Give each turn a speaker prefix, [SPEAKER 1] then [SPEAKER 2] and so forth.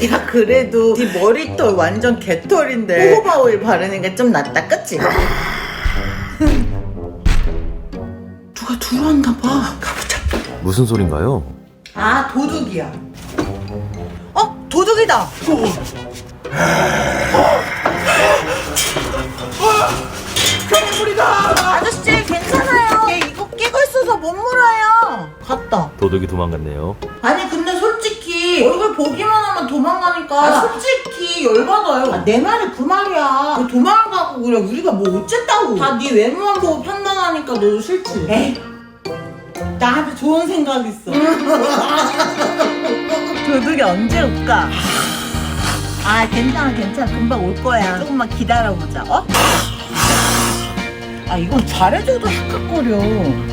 [SPEAKER 1] 야 그래도 네 머리털 완전 개털인데 호호바 오일 바르는 게 좀 낫다 그치? 누가 들어왔나 봐. 가보자.
[SPEAKER 2] 무슨 소린가요?
[SPEAKER 1] 아 도둑이야. 도둑이다. 아저씨 괜찮아요. 얘 이거 끼고 있어서 못 물어요. 갔다.
[SPEAKER 2] 도둑이 도망갔네요.
[SPEAKER 1] 아니 근데 솔직히 얼굴 보기만 하면 도망가니까 솔직히 열받아요. 내 말이 그 말이야. 왜 도망가고 그래. 우리가 뭐 어쨌다고. 다 네 외모만 보고 판단하니까 너도 싫지. 에이 나한테 좋은 생각 있어. 도둑이 언제 올까? 아 괜찮아 금방 올 거야. 조금만 기다려보자. 아 이건 잘해줘도 헥헥거려.